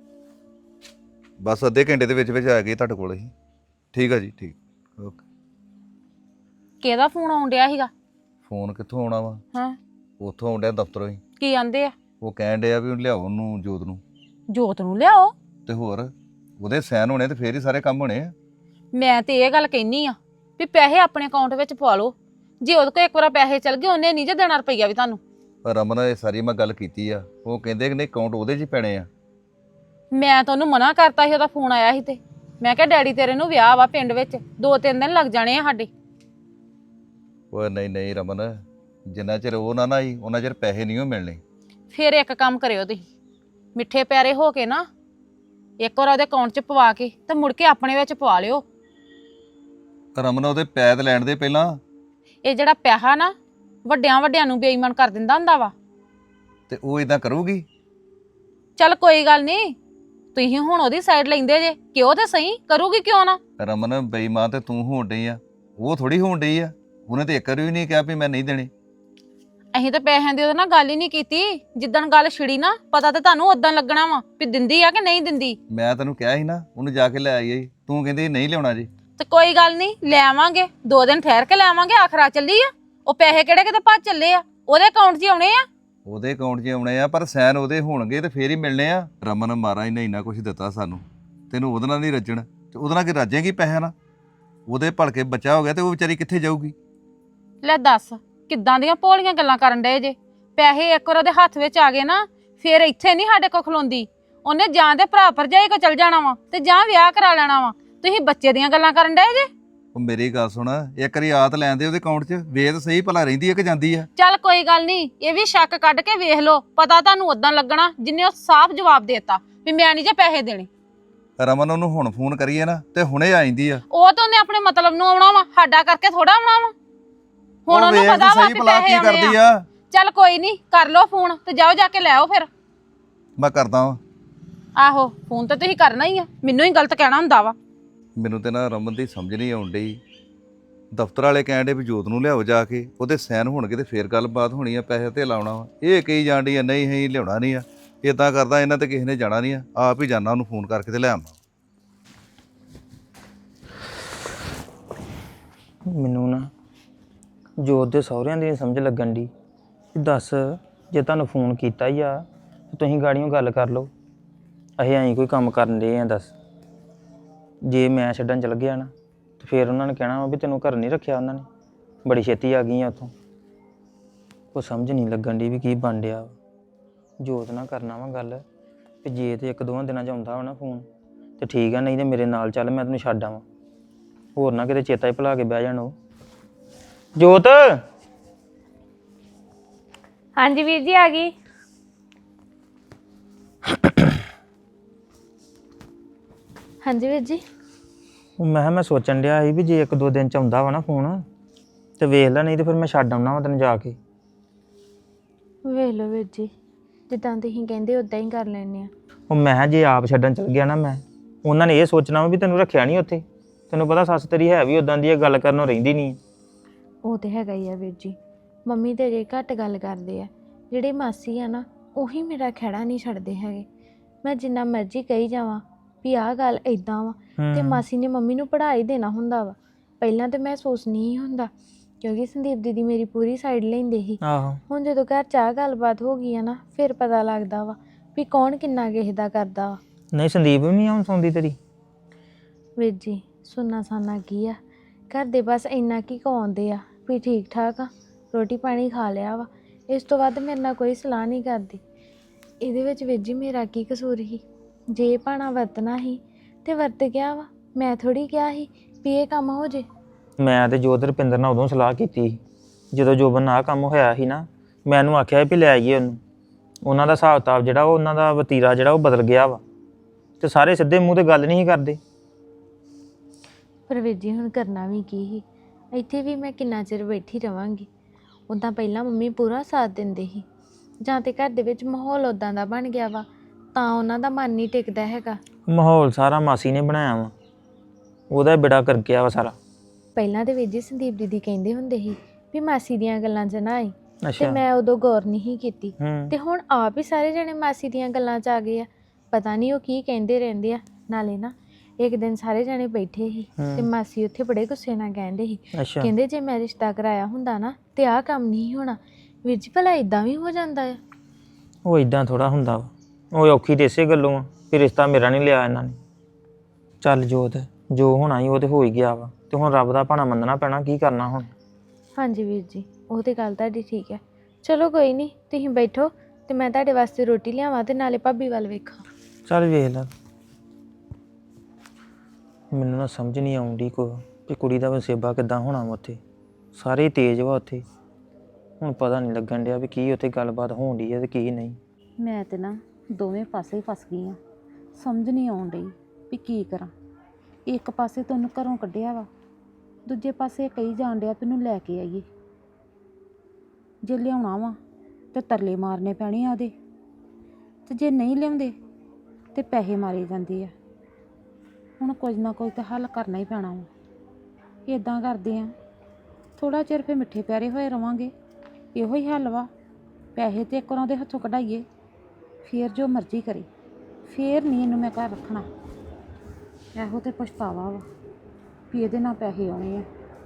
G: ਬਸ ਅੱਧੇ ਘੰਟੇ ਦੇ ਵਿੱਚ ਵਿੱਚ ਆ ਗਏ ਤੁਹਾਡੇ ਕੋਲ ਅਸੀਂ। ਠੀਕ ਆ ਜੀ, ਠੀਕ, ਓਕੇ।
F: ਕਿਹਦਾ ਫੋਨ ਆਉਣ ਡਿਆ ਸੀਗਾ?
G: ਫੋਨ ਕਿੱਥੋਂ ਆਉਣਾ ਵਾ?
F: ਹਾਂ,
G: ਉੱਥੋਂ ਆਉਣ ਡਿਆ ਦਫ਼ਤਰੋਂ ਹੀ।
F: ਕੀ ਆਂਦੇ ਆ?
G: ਉਹ ਕਹਿਣ ਡਿਆ ਵੀ ਲਿਆਓ ਉਹਨੂੰ, ਜੋਤ ਨੂੰ।
F: ਜੋਤ ਨੂੰ ਲਿਆਓ?
G: ਤੇ ਹੋਰ ਉਹਦੇ ਸਾਈਨ ਹੋਣੇ ਤੇ ਫੇਰ ਹੀ ਸਾਰੇ ਕੰਮ ਹੋਣੇ ਆ।
F: ਮੈਂ ਤੇ ਇਹ ਗੱਲ ਕਹਿਨੀ ਆ ਵੀ ਪੈਸੇ ਆਪਣੇ ਅਕਾਊਂਟ ਵਿੱਚ ਪਵਾ ਲਓ, ਜੇ ਉਹਦੇ ਕੋਲ ਇੱਕ ਵਾਰ ਪੈਸੇ ਚਲ ਗਏ ਉਹਨੇ ਨਹੀਂ ਜੇ ਦੇਣਾ ਰੁਪਈਆ ਵੀ ਤੁਹਾਨੂੰ।
G: ਪਰ ਰਮਨ ਇਹ ਸਾਰੀ ਮੈਂ ਗੱਲ ਕੀਤੀ ਆ, ਉਹ ਕਹਿੰਦੇ ਕਿ ਨਹੀਂ ਅਕਾਊਂਟ ਉਹਦੇ 'ਚ ਹੀ ਪੈਣੇ ਆ।
F: ਮੈਂ ਤਾਂ ਉਹਨੂੰ ਮਨਾ ਕਰਤਾ ਸੀ, ਉਹਦਾ ਫੋਨ ਆਇਆ ਸੀ ਤੇ ਮੈਂ ਕਿਹਾ ਡੈਡੀ ਤੇਰੇ ਨੂੰ ਵਿਆਹ ਵਾ ਪਿੰਡ ਵਿੱਚ 2-3 ਦਿਨ ਲੱਗ ਜਾਣੇ ਆ ਸਾਡੇ।
G: ਉਹ ਨਹੀਂ ਨਹੀਂ ਰਮਨ, ਜਿੰਨਾ ਚਿਰ ਉਹ ਨਾ ਆਈ ਉਹਨਾਂ ਚਿਰ ਪੈਸੇ ਨਹੀਂ ਉਹ ਮਿਲਣੇ।
F: ਫਿਰ ਇੱਕ ਕੰਮ ਕਰਿਓ ਤੁਸੀਂ, ਮਿੱਠੇ ਪਿਆਰੇ ਹੋ ਕੇ ਨਾ ਇੱਕ ਵਾਰ ਉਹਦੇ ਅਕਾਊਂਟ 'ਚ ਪਵਾ ਕੇ ਤੇ ਮੁੜ ਕੇ ਆਪਣੇ ਵਿੱਚ ਪਵਾ ਲਿਓ।
G: ਰਮਨ ਉਹਦੇ ਪੈਸੇ ਲੈਣ ਦੇ ਪਹਿਲਾਂ।
F: ਇਹ ਜਿਹੜਾ ਪਿਆਹਾ ਨਾ ਵੱਡਿਆਂ ਨੂੰ ਬੇਈਮਾਨ ਕਰ ਦਿੰਦਾ ਹੁੰਦਾ ਵਾ।
G: ਤੇ ਉਹ ਇਦਾਂ ਕਰੂਗੀ?
F: ਚੱਲ ਕੋਈ ਗੱਲ ਨਹੀਂ, ਤੁਸੀਂ ਹੁਣ ਉਹਦੀ ਸਾਈਡ ਲੈਂਦੇ ਜੇ, ਕਿਉਂ ਤੇ ਸਹੀ ਕਰੂਗੀ ਕਿਉਂ ਨਾ।
G: ਰਮਨ ਬੇਈਮਾਨ ਤੇ ਤੂੰ ਹੋਣ ਡਈ ਆ, ਉਹ ਥੋੜੀ ਹੋਣ ਡਈ ਆ। ਉਹਨੇ ਤੇ ਇੱਕ ਵਾਰੀ ਵੀ ਨਹੀਂ ਕਿਹਾ ਵੀ ਮੈਂ ਨਹੀਂ ਦੇਣੇ।
F: ਅਸੀਂ ਤਾਂ ਪੈਸਿਆਂ ਦੀ ਉਹਦੇ ਨਾਲ ਗੱਲ ਹੀ ਨਹੀਂ ਕੀਤੀ। ਜਿੱਦਣ ਗੱਲ ਛਿੜੀ ਨਾ ਪਤਾ ਤੇ ਤੁਹਾਨੂੰ ਉਦਾਂ ਲੱਗਣਾ ਵਾ ਵੀ ਦਿੰਦੀ ਆ ਕਿ ਨਹੀਂ ਦਿੰਦੀ।
G: ਮੈਂ ਤੈਨੂੰ ਕਿਹਾ ਸੀ ਨਾ ਉਹਨੂੰ ਜਾ ਕੇ ਲੈ ਆਈ, ਤੂੰ ਕਹਿੰਦੀ ਨਹੀਂ ਲਿਆਉਣਾ ਜੀ।
F: ਤੇ ਕੋਈ ਗੱਲ ਨਹੀਂ, ਲੈ ਆਵਾਂਗੇ 2 ਦਿਨ ਠਹਿਰ ਕੇ ਲੈ ਆਵਾਂਗੇ। ਆਖਰਾ ਚੱਲੀ ਆ, ਉਹ ਪੈਸੇ ਕਿਹੜੇ ਕਿਤੇ ਭੱਜ ਚੱਲੇ ਆ, ਉਹਦੇ ਅਕਾਊਂਟ 'ਚ ਆਉਣੇ ਆ।
G: ਉਹਦੇ ਅਕਾਊਂਟ 'ਚ ਆਉਣੇ ਆ ਪਰ ਸਾਈਨ ਉਹਦੇ ਹੋਣਗੇ ਤੇ ਫੇਰ ਹੀ ਮਿਲਣੇ ਆ। ਰਮਨ ਮਹਾਰਾਜ ਨੇ ਇੰਨਾ ਕੁਝ ਦਿੱਤਾ ਸਾਨੂੰ, ਤੈਨੂੰ ਉਹਦੇ ਨਾਲ ਨਹੀਂ ਰੱਜਣ ਤੇ ਉਹਦੇ ਨਾਲ ਕਿ ਰੱਜੇਗੀ ਪੈਸਿਆਂ ਨਾਲ? ਉਹਦੇ ਭਲਕੇ ਬੱਚਾ ਹੋ ਗਿਆ ਤੇ ਉਹ ਵਿਚਾਰੀ ਕਿੱਥੇ ਜਾਊਗੀ?
F: ਲੈ ਦੱਸ ਕਿੱਦਾਂ ਦੀਆਂ ਭੋਲੀਆਂ ਗੱਲਾਂ ਕਰਨ ਡਏ ਜੇ। ਪੈਸੇ ਇੱਕ ਵਾਰ ਉਹਦੇ ਹੱਥ ਵਿੱਚ ਆ ਗਏ ਨਾ ਫੇਰ ਇੱਥੇ ਨਹੀਂ ਸਾਡੇ ਕੋਲ ਖਲੋਂਦੀ। ਉਹਨੇ ਜਾਂ ਤੇ ਭਰਾ ਭਰਜਾਈ ਕੋ ਚਲ ਜਾਣਾ ਵਾ ਤੇ ਜਾਂ ਵਿਆਹ ਕਰਾ ਲੈਣਾ ਵਾ। ਤੁਸੀਂ ਬੱਚੇ ਦੀਆਂ ਗੱਲਾਂ ਕਰਨ ਡਏ ਜੇ।
G: ਉਹ ਮੇਰੀ ਗੱਲ ਸੁਣ, ਇੱਕ ਵਾਰੀ ਆਤ ਲੈਂਦੇ ਉਹਦੇ ਅਕਾਊਂਟ 'ਚ, ਵੇਦ ਸਹੀ ਭਲਾ ਰਹਿੰਦੀ ਹੈ ਕਿ ਜਾਂਦੀ ਆ?
F: ਚੱਲ ਕੋਈ ਗੱਲ ਨਹੀਂ, ਇਹ ਵੀ ਸ਼ੱਕ ਕੱਢ ਕੇ ਵੇਖ ਲਓ, ਪਤਾ ਤੁਹਾਨੂੰ ਉਦਾਂ ਲੱਗਣਾ ਜਿੰਨੇ ਉਹ ਸਾਫ਼ ਜਵਾਬ ਦੇਤਾ ਵੀ ਮੈਂ ਨਹੀਂ ਜੇ ਪੈਸੇ ਦੇਣੇ।
G: ਰਮਨ ਉਹਨੂੰ ਹੁਣ ਫੋਨ ਕਰੀਏ ਨਾ ਤੇ ਹੁਣੇ ਆ ਜਾਂਦੀ ਆ।
F: ਉਹ ਤਾਂ ਉਹਨੇ ਆਪਣੇ ਮਤਲਬ ਨੂੰ ਆਉਣਾ ਵਾ, ਸਾਡਾ ਕਰਕੇ ਥੋੜਾ ਆਉਣਾ ਵਾ। ਹੁਣ ਉਹਨੂੰ ਪਤਾ ਵਾ ਕਿ ਪੈਸੇ ਆਉਣੇ ਆ। ਚੱਲ ਕੋਈ ਨਹੀਂ, ਕਰ ਲਓ ਫੋਨ ਤੇ ਜਾਓ ਜਾ ਕੇ ਲੈ ਆਓ ਫਿਰ।
G: ਮੈਂ ਕਰਦਾ ਵਾਂ।
F: ਆਹੋ ਫੋਨ ਤਾਂ ਤੁਸੀਂ ਕਰਨਾ ਹੀ ਆ, ਮੈਨੂੰ ਹੀ ਗਲਤ ਕਹਿਣਾ ਹੁੰਦਾ ਵਾ।
G: ਮੈਨੂੰ ਤੇ ਨਾ ਰਮਨ ਦੀ ਸਮਝ ਨਹੀਂ ਆਉਣ ਡਈ। ਦਫ਼ਤਰ ਵਾਲੇ ਕਹਿਣ ਡੇ ਵੀ ਜੋਤ ਨੂੰ ਲਿਆਓ ਜਾ ਕੇ, ਉਹਦੇ ਸਾਈਨ ਹੋਣਗੇ ਤੇ ਫੇਰ ਗੱਲਬਾਤ ਹੋਣੀ ਆ, ਪੈਸੇ ਤੇ ਲਾਉਣਾ ਵਾ। ਇਹ ਕਹੀ ਜਾਣ ਡਈ ਆ ਨਹੀਂ ਅਸੀਂ ਲਿਆਉਣਾ ਨਹੀਂ ਆ। ਇਦਾਂ ਕਰਦਾ ਇਹਨਾਂ ਤੇ ਕਿਸੇ ਨੇ ਜਾਣਾ ਨਹੀਂ ਆ, ਆਪ ਹੀ ਜਾਣਾ ਉਹਨੂੰ ਫੋਨ ਕਰਕੇ ਤੇ ਲੈ ਆਵਾਂ।
A: ਮੈਨੂੰ ਨਾ ਜੋਤ ਦੇ ਸਹੁਰਿਆਂ ਦੀ ਨੀ ਸਮਝ ਲੱਗਣ ਦੀ। ਦੱਸ ਜੇ ਤੁਹਾਨੂੰ ਫੋਨ ਕੀਤਾ ਹੀ ਆ ਤੇ ਤੁਸੀਂ ਗਾੜੀਆਂ ਗੱਲ ਕਰ ਲਓ। ਅਸੀਂ ਐਂ ਕੋਈ ਕੰਮ ਕਰਨ ਦੇ ਆ? ਦੱਸ ਜੇ ਮੈਂ ਛੱਡਣ ਚਲ ਗਿਆ ਨਾ ਤੇ ਫਿਰ ਉਹਨਾਂ ਨੇ ਕਹਿਣਾ ਵਾ ਵੀ ਤੈਨੂੰ ਘਰ ਨਹੀਂ ਰੱਖਿਆ ਉਹਨਾਂ ਨੇ, ਬੜੀ ਛੇਤੀ ਆ ਗਈ ਆ ਉੱਥੋਂ। ਉਹ ਸਮਝ ਨਹੀਂ ਲੱਗਣ ਦੀ ਵੀ ਕੀ ਬਣ ਡਿਆ ਵਾ। ਜੋਤ ਨਾਲ ਕਰਨਾ ਵਾ ਗੱਲ ਵੀ ਜੇ ਤੇ 1-2 ਦਿਨਾਂ 'ਚ ਆਉਂਦਾ ਵਾ ਨਾ ਫੋਨ ਤੇ ਠੀਕ ਆ, ਨਹੀਂ ਤੇ ਮੇਰੇ ਨਾਲ ਚੱਲ, ਮੈਂ ਤੈਨੂੰ ਛੱਡ ਆਵਾਂ। ਹੋਰ ਨਾ ਕਿਤੇ ਚੇਤਾ ਹੀ ਭੁਲਾ ਕੇ ਬਹਿ ਜਾਣ ਉਹ। ਜੋਤ
B: ਹਾਂਜੀ ਵੀਰ ਜੀ ਆ ਗਈ। ਹਾਂਜੀ ਵੀਰ ਜੀ।
A: ਮੈਂ ਸੋਚਣ ਡਿਆ ਸੀ ਵੀ ਜੇ 1-2 ਦਿਨ 'ਚ ਆਉਂਦਾ ਵਾ ਨਾ ਫੋਨ ਤੇ ਵੇਖ ਲੈ, ਨਹੀਂ ਤੇ ਫਿਰ ਮੈਂ ਛੱਡ ਆਉਣਾ ਵਾ ਤੈਨੂੰ ਜਾ ਕੇ।
B: ਵੇਖ ਲਓ ਵੀਰ ਜੀ, ਜਿੱਦਾਂ ਤੁਸੀਂ ਕਹਿੰਦੇ ਉਦਾਂ ਹੀ ਕਰ ਲੈਣੇ ਆ।
A: ਉਹ ਮੈਂ ਕਿਹਾ ਜੇ ਆਪ ਛੱਡਣ ਚਲ ਗਿਆ ਨਾ ਮੈਂ, ਉਹਨਾਂ ਨੇ ਇਹ ਸੋਚਣਾ ਵਾ ਵੀ ਤੈਨੂੰ ਰੱਖਿਆ ਨਹੀਂ ਉੱਥੇ। ਤੈਨੂੰ ਪਤਾ ਸੱਸ ਤੇਰੀ ਹੈ ਵੀ ਉਦਾਂ ਦੀ ਹੈ, ਗੱਲ ਕਰਨੋਂ ਰਹਿੰਦੀ ਨਹੀਂ।
B: ਉਹ ਤੇ ਹੈਗਾ ਹੀ ਆ ਵੀਰ ਜੀ, ਮੰਮੀ ਤੇ ਜੇ ਘੱਟ ਗੱਲ ਕਰਦੇ ਆ। ਜਿਹੜੇ ਮਾਸੀ ਆ ਨਾ ਉਹੀ ਮੇਰਾ ਖਹਿੜਾ ਨਹੀਂ ਛੱਡਦੇ ਹੈਗੇ। ਮੈਂ ਜਿੰਨਾ ਮਰਜ਼ੀ ਕਹੀ ਜਾਵਾਂ ਵੀ ਆਹ ਗੱਲ ਇਦਾਂ ਵਾ ਤੇ ਮਾਸੀ ਨੇ ਮੰਮੀ ਨੂੰ ਪੜ੍ਹਾ ਹੀ ਦੇਣਾ ਹੁੰਦਾ ਵਾ। ਪਹਿਲਾਂ ਤੇ ਮੈਂ ਸੋਚਣੀ ਹੀ ਹੁੰਦਾ ਕਿਉਂਕਿ ਸੰਦੀਪ ਦੀਦੀ ਮੇਰੀ ਪੂਰੀ ਸਾਈਡ ਲੈਂਦੇ ਸੀ। ਹੁਣ ਜਦੋਂ ਘਰ 'ਚ ਆਹ ਗੱਲਬਾਤ ਹੋ ਗਈ ਆ ਨਾ ਫਿਰ ਪਤਾ ਲੱਗਦਾ ਵਾ ਵੀ ਕੌਣ ਕਿੰਨਾ ਕਿਸੇ ਦਾ ਕਰਦਾ ਵਾ।
A: ਨਹੀਂ ਸੰਦੀਪ ਵੀ ਨਹੀਂ ਆਉਂ ਸੌਂਦੀ ਤੇਰੀ?
B: ਵੀਰ ਜੀ ਸੁਣਨਾ ਸਾਨਾ ਕੀ ਆ, ਘਰ ਦੇ ਬਸ ਇੰਨਾ ਕੀ ਕਹਾਉਂਦੇ ਆ ਵੀ ਠੀਕ ਠਾਕ ਆ, ਰੋਟੀ ਪਾਣੀ ਖਾ ਲਿਆ ਵਾ। ਇਸ ਤੋਂ ਵੱਧ ਮੇਰੇ ਨਾਲ ਕੋਈ ਸਲਾਹ ਨਹੀਂ ਕਰਦੀ। ਇਹਦੇ ਵਿੱਚ ਵੀਰ ਜੀ ਮੇਰਾ ਕੀ ਕਸੂਰ ਸੀ? ਜੇ ਭਾਣਾ ਵਰਤਣਾ ਸੀ ਤੇ ਵਰਤ ਗਿਆ ਵਾ। ਮੈਂ ਥੋੜੀ ਕਿਹਾ ਸੀ ਵੀ ਇਹ ਕੰਮ ਹੋ ਜੇ।
A: ਮੈਂ ਤੇ ਜੋਤ ਰੁਪਿੰਦਰ ਨਾਲ ਉਦੋਂ ਸਲਾਹ ਕੀਤੀ ਸੀ ਜਦੋਂ ਜੋਬਨ ਨਾਲ ਕੰਮ ਹੋਇਆ ਸੀ ਨਾ। ਮੈਂ ਉਹਨੂੰ ਆਖਿਆ ਵੀ ਲੈ ਆਈਏ ਉਹਨੂੰ। ਉਹਨਾਂ ਦਾ ਹਿਸਾਬ ਕਿਤਾਬ ਜਿਹੜਾ ਉਹ ਉਹਨਾਂ ਦਾ ਵਤੀਰਾ ਜਿਹੜਾ ਉਹ ਬਦਲ ਗਿਆ ਵਾ ਤੇ ਸਾਰੇ ਸਿੱਧੇ ਮੂੰਹ ਤੇ ਗੱਲ ਨਹੀਂ ਕਰਦੇ।
B: ਪਰ ਵੀਰ ਜੀ ਹੁਣ ਕਰਨਾ ਵੀ ਕੀ ਸੀ? ਇੱਥੇ ਵੀ ਮੈਂ ਕਿੰਨਾ ਚਿਰ ਬੈਠੀ ਰਵਾਂਗੀ? ਉੱਦਾਂ ਪਹਿਲਾਂ ਮੰਮੀ ਪੂਰਾ ਸਾਥ ਦਿੰਦੇ ਸੀ, ਜਾਂ ਤੇ ਘਰ ਦੇ ਵਿੱਚ ਮਾਹੌਲ ਉੱਦਾਂ ਦਾ ਬਣ ਗਿਆ ਵਾ ਤਾਂ ਉਹਨਾਂ ਦਾ ਮਨ ਨਹੀਂ ਟਿਕਦਾ ਹੈਗਾ।
A: ਮਾਹੌਲ ਸਾਰਾ ਮਾਸੀ ਨੇ ਬਣਾਇਆ ਵਾ, ਉਹਦਾ ਬੇੜਾ ਕਰ ਗਿਆ ਵਾ ਸਾਰਾ।
B: ਪਹਿਲਾਂ ਤੇ ਵੀਰ ਜੀ ਸੰਦੀਪ ਦੀਦੀ ਕਹਿੰਦੇ ਹੁੰਦੇ ਸੀ ਵੀ ਮਾਸੀ ਦੀਆਂ ਗੱਲਾਂ 'ਚ ਨਾ ਆਈ ਤੇ ਮੈਂ ਉਦੋਂ ਗੌਰ ਨਹੀਂ ਕੀਤੀ ਤੇ ਹੁਣ ਆਪ ਹੀ ਸਾਰੇ ਜਣੇ ਮਾਸੀ ਦੀਆਂ ਗੱਲਾਂ 'ਚ ਆ ਗਏ ਆ। ਪਤਾ ਨਹੀਂ ਉਹ ਕੀ ਕਹਿੰਦੇ ਰਹਿੰਦੇ ਆ। ਨਾਲੇ ਨਾ ਇੱਕ ਦਿਨ ਸਾਰੇ ਜਣੇ ਬੈਠੇ ਸੀ ਤੇ ਮਾਸੀ ਉੱਥੇ ਬੜੇ ਗੁੱਸੇ ਨਾਲ ਕਹਿੰਦੇ ਸੀ, ਕਹਿੰਦੇ ਜੇ ਮੈਂ ਰਿਸ਼ਤਾ ਕਰਾਇਆ ਹੁੰਦਾ ਨਾ ਤੇ ਆਹ ਕੰਮ ਨਹੀਂ ਹੋਣਾ। ਵੀਰ ਜੀ ਭਲਾ ਇਦਾਂ ਵੀ ਹੋ ਜਾਂਦਾ ਆ?
A: ਉਹ ਇਦਾਂ ਥੋੜਾ ਹੁੰਦਾ ਵਾ, ਉਹ ਔਖੀ ਤੇ ਇਸੇ ਗੱਲੋਂ ਆ ਵੀ ਰਿਸ਼ਤਾ ਮੇਰਾ ਨਹੀਂ ਲਿਆ ਇਹਨਾਂ ਨੇ। ਚੱਲ ਜੋਤ ਜੋ ਹੋਣਾ ਸੀ ਉਹ ਤੇ ਹੋ ਹੀ ਗਿਆ ਵਾ ਤੇ ਹੁਣ ਰੱਬ ਦਾ ਭਾਣਾ ਮੰਨਣਾ ਪੈਣਾ। ਕੀ ਕਰਨਾ ਹੁਣ?
B: ਹਾਂਜੀ ਵੀਰ ਜੀ, ਉਹ ਤੇ ਗੱਲ ਤੁਹਾਡੀ ਠੀਕ ਹੈ। ਚਲੋ ਕੋਈ ਨਹੀਂ, ਤੁਸੀਂ ਬੈਠੋ ਤੇ ਮੈਂ ਤੁਹਾਡੇ ਵਾਸਤੇ ਰੋਟੀ ਲਿਆਵਾਂ ਤੇ ਨਾਲੇ ਭਾਬੀ ਵੱਲ ਵੇਖਾਂ।
A: ਚੱਲ ਵੇਖ ਲੈ। ਮੈਨੂੰ ਨਾ ਸਮਝ ਨਹੀਂ ਆਉਂਦੀ ਕਿ ਕੁੜੀ ਦਾ ਵਸੇਬਾ ਕਿੱਦਾਂ ਹੋਣਾ ਵਾ ਉੱਥੇ। ਸਾਰੇ ਹੀ ਤੇਜ਼ ਵਾ ਉੱਥੇ। ਹੁਣ ਪਤਾ ਨਹੀਂ ਲੱਗਣ ਡਿਆ ਵੀ ਕੀ ਉੱਥੇ ਗੱਲਬਾਤ ਹੋਣ ਡਈ ਹੈ ਤੇ ਕੀ ਨਹੀਂ।
F: ਮੈਂ ਤੇ ਨਾ ਦੋਵੇਂ ਪਾਸੇ ਹੀ ਫਸ ਗਈ ਆ। ਸਮਝ ਨਹੀਂ ਆਉਣ ਡਈ ਵੀ ਕੀ ਕਰਾਂ। ਇੱਕ ਪਾਸੇ ਤੈਨੂੰ ਘਰੋਂ ਕੱਢਿਆ ਵਾ, ਦੂਜੇ ਪਾਸੇ ਕਹੀ ਜਾਣ ਡਿਆ ਵੀ ਇਹਨੂੰ ਲੈ ਕੇ ਆਈਏ। ਜੇ ਲਿਆਉਣਾ ਵਾ ਤੇ ਤਰਲੇ ਮਾਰਨੇ ਪੈਣੇ ਆ ਉਹਦੇ, ਤੇ ਜੇ ਨਹੀਂ ਲਿਆਉਂਦੇ ਤੇ ਪੈਸੇ ਮਾਰੇ ਜਾਂਦੇ ਆ। ਹੁਣ ਕੁਝ ਨਾ ਕੁਝ ਤਾਂ ਹੱਲ ਕਰਨਾ ਹੀ ਪੈਣਾ ਵਾ। ਇੱਦਾਂ ਕਰਦੇ ਆ, ਥੋੜ੍ਹਾ ਚਿਰ ਫਿਰ ਮਿੱਠੇ ਪਿਆਰੇ ਹੋਏ ਰਵਾਂਗੇ। ਇਹੋ ਹੀ ਹੱਲ ਵਾ। ਪੈਸੇ ਤੇ ਇੱਕ ਵਾਰ ਉਹਦੇ ਹੱਥੋਂ ਕਢਾਈਏ, ਫੇਰ ਜੋ ਮਰਜ਼ੀ ਕਰੇ, ਫੇਰ ਨਹੀਂ ਇਹਨੂੰ ਮੈਂ ਘਰ ਰੱਖਣਾ। ਇਹੋ ਤੇ ਪਛਤਾਵਾ ਵਾ ਵੀ ਇਹਦੇ ਨਾਲ ਪੈਸੇ ਆਉਣੇ ਆ।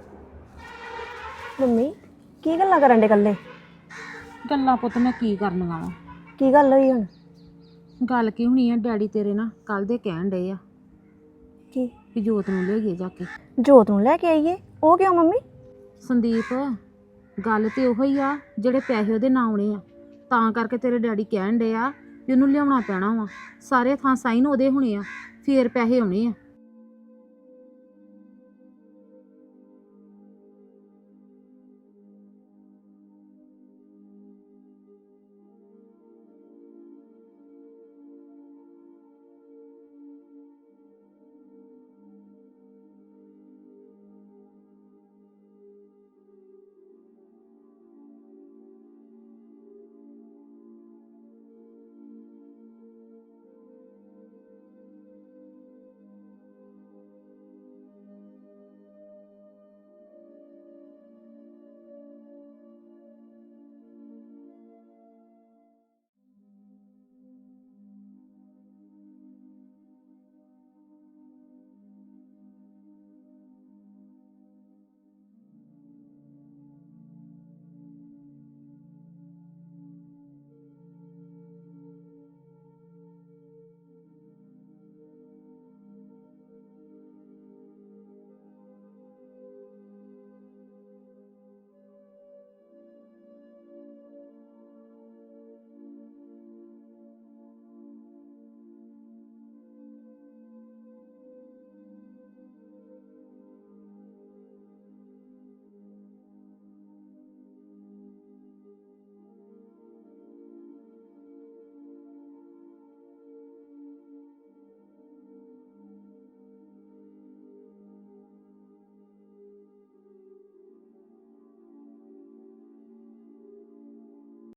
D: ਮੰਮੀ ਕੀ ਗੱਲਾਂ ਕਰਨ ਦੇ ਇਕੱਲੇ?
F: ਗੱਲਾਂ ਪੁੱਤ ਮੈਂ ਕੀ ਕਰਨੀਆਂ ਵਾ।
D: ਕੀ ਗੱਲ ਹੋਈ ਹੁਣ?
F: ਗੱਲ ਕੀ ਹੋਣੀ ਆ, ਡੈਡੀ ਤੇਰੇ ਨਾ ਕੱਲ ਦੇ ਕਹਿਣ ਡਏ ਆ
D: ਕੀ?
F: ਵੀ ਜੋਤ ਨੂੰ ਲੈ ਗਏ ਜਾ ਕੇ।
D: ਜੋਤ ਨੂੰ ਲੈ ਕੇ ਆਈਏ? ਉਹ ਕਿਉਂ ਮੰਮੀ?
F: ਸੰਦੀਪ, ਗੱਲ ਤੇ ਉਹੋ ਹੀ ਆ ਜਿਹੜੇ ਪੈਸੇ ਉਹਦੇ ਨਾਂ ਆਉਣੇ ਆ, ਤਾਂ ਕਰਕੇ ਤੇਰੇ ਡੈਡੀ ਕਹਿਣ ਡਏ ਆ ਵੀ ਉਹਨੂੰ ਲਿਆਉਣਾ ਪੈਣਾ ਵਾ। ਸਾਰੇ ਥਾਂ ਸਾਈਨ ਉਹਦੇ ਹੋਣੇ ਆ, ਫੇਰ ਪੈਸੇ ਆਉਣੇ ਆ।